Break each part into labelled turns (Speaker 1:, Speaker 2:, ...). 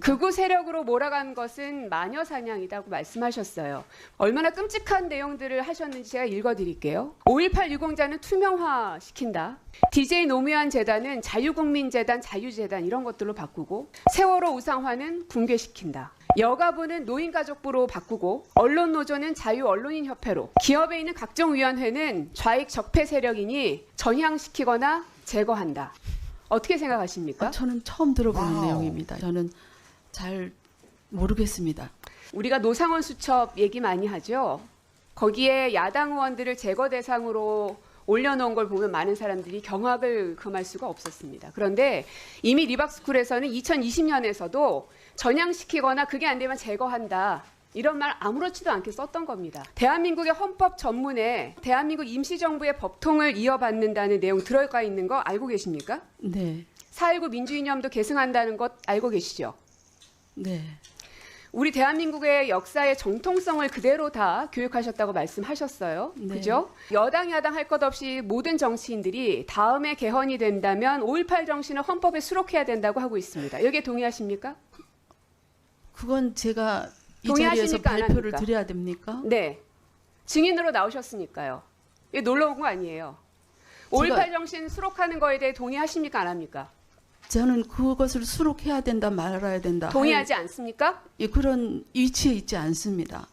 Speaker 1: 극우 세력으로 몰아간 것은 마녀 사냥이라고 말씀하셨어요. 얼마나 끔찍한 내용들을 하셨는지 제가 읽어드릴게요. 5.18 유공자는 투명화시킨다. DJ 노무현 재단은 자유국민재단, 자유재단 이런 것들로 바꾸고, 세월호 우상화는 붕괴시킨다. 여가부는 노인가족부로 바꾸고, 언론노조는 자유언론인협회로, 기업에 있는 각종 위원회는 좌익 적폐 세력이니 전향시키거나 제거한다. 어떻게 생각하십니까?
Speaker 2: 저는 처음 들어보는 내용입니다. 저는 잘 모르겠습니다.
Speaker 1: 우리가 노상원 수첩 얘기 많이 하죠. 거기에 야당 의원들을 제거 대상으로 올려놓은 걸 보면 많은 사람들이 경악을 금할 수가 없었습니다. 그런데 이미 리박스쿨에서는 2020년에서도 전향시키거나 그게 안 되면 제거한다. 이런 말 아무렇지도 않게 썼던 겁니다. 대한민국의 헌법 전문에 대한민국 임시정부의 법통을 이어받는다는 내용 들어가 있는 거 알고 계십니까?
Speaker 2: 네.
Speaker 1: 4.19 민주이념도 계승한다는 것 알고 계시죠?
Speaker 2: 네.
Speaker 1: 우리 대한민국의 역사의 정통성을 그대로 다 교육하셨다고 말씀하셨어요.
Speaker 2: 네.
Speaker 1: 그죠? 여당, 야당 할 것 없이 모든 정치인들이 다음에 개헌이 된다면 5.18 정신을 헌법에 수록해야 된다고 하고 있습니다. 여기에 동의하십니까?
Speaker 2: 그건 제가 이 자리에서
Speaker 1: 동의하십니까? 안
Speaker 2: 발표를
Speaker 1: 합니까?
Speaker 2: 드려야 됩니까?
Speaker 1: 네. 증인으로 나오셨으니까요. 이게 놀러 온 거 아니에요. 5.18 정신 수록하는 거에 대해 동의하십니까? 안 합니까?
Speaker 2: 저는 그것을 수록해야 된다 말아야 된다.
Speaker 1: 동의하지 않습니까?
Speaker 2: 그런 위치에 있지 않습니다.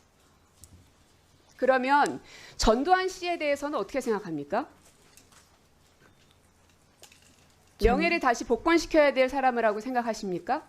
Speaker 1: 그러면 전두환 씨에 대해서는 어떻게 생각합니까? 명예를 다시 복권시켜야 될 사람이라고 생각하십니까?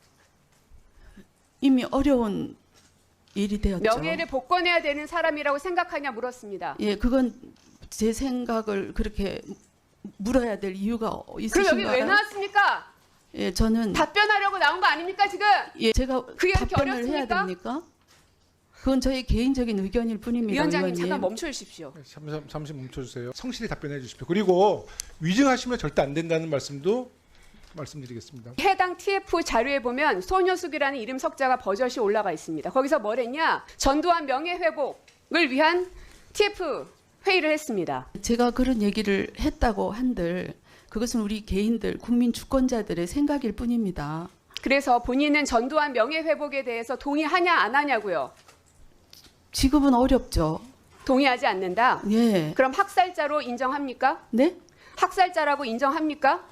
Speaker 2: 이미 어려운 일이 되었죠.
Speaker 1: 명예를 복권해야 되는 사람이라고 생각하냐 물었습니다.
Speaker 2: 예, 그건 제 생각을 그렇게 물어야 될 이유가
Speaker 1: 그럼
Speaker 2: 있으신가요?
Speaker 1: 여기 왜 나왔습니까?
Speaker 2: 예, 저는
Speaker 1: 답변하려고 나온 거 아닙니까 지금?
Speaker 2: 예, 제가
Speaker 1: 그게 그렇게
Speaker 2: 답변을 해야
Speaker 1: 어렵습니까?
Speaker 2: 됩니까? 그건 저희 개인적인 의견일 뿐입니다.
Speaker 1: 위원장님
Speaker 2: 의원님.
Speaker 1: 잠깐 멈춰 주십시오.
Speaker 3: 잠시 멈춰주세요. 성실히 답변해 주십시오. 그리고 위증하시면 절대 안 된다는 말씀도 말씀드리겠습니다.
Speaker 1: 해당 TF 자료에 보면 소녀숙이라는 이름 석자가 버젓이 올라가 있습니다. 거기서 뭘 했냐? 전두환 명예회복을 위한 TF 회의를 했습니다.
Speaker 2: 제가 그런 얘기를 했다고 한들 그것은 우리 개인들 국민 주권자들의 생각일 뿐입니다.
Speaker 1: 그래서 본인은 전두환 명예회복에 대해서 동의하냐 안 하냐고요.
Speaker 2: 지금은 어렵죠.
Speaker 1: 동의하지 않는다.
Speaker 2: 예.
Speaker 1: 그럼 학살자로 인정합니까?
Speaker 2: 네?
Speaker 1: 학살자라고 인정합니까?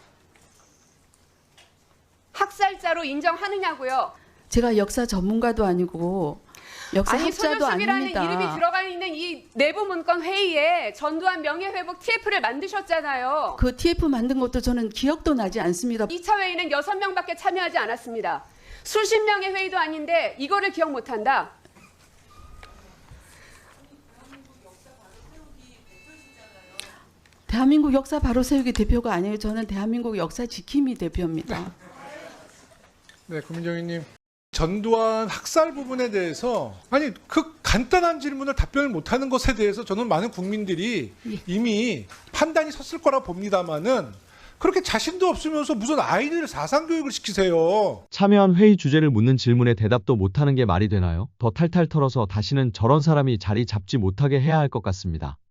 Speaker 1: 학살자로 인정하느냐고요.
Speaker 2: 제가 역사 전문가도 아니고 역사
Speaker 1: 아니
Speaker 2: 학자도
Speaker 1: 소녀숙이라는
Speaker 2: 아닙니다.
Speaker 1: 이름이 들어가 있는 이 내부 문건 회의에 전두환 명예회복 TF를 만드셨잖아요.
Speaker 2: 그 TF 만든 것도 저는 기억도 나지 않습니다.
Speaker 1: 2차 회의는 6명밖에 참여하지 않았습니다. 수십 명의 회의도 아닌데 이거를 기억 못한다.
Speaker 2: 대한민국 역사 바로 세우기 대표가 아니에요. 저는 대한민국 역사 지킴이 대표입니다.
Speaker 3: 네, 구민정희님. 전두환 학살 부분에 대해서 아니 그 간단한 질문을 답변을 못하는 것에 대해서 저는 많은 국민들이 이미 판단이 섰을 거라 봅니다만은 그렇게 자신도 없으면서 무슨 아이들 사상 교육을 시키세요.
Speaker 4: 참여한 회의 주제를 묻는 질문에 대답도 못하는 게 말이 되나요? 더 탈탈 털어서 다시는 저런 사람이 자리 잡지 못하게 해야 할 것 같습니다.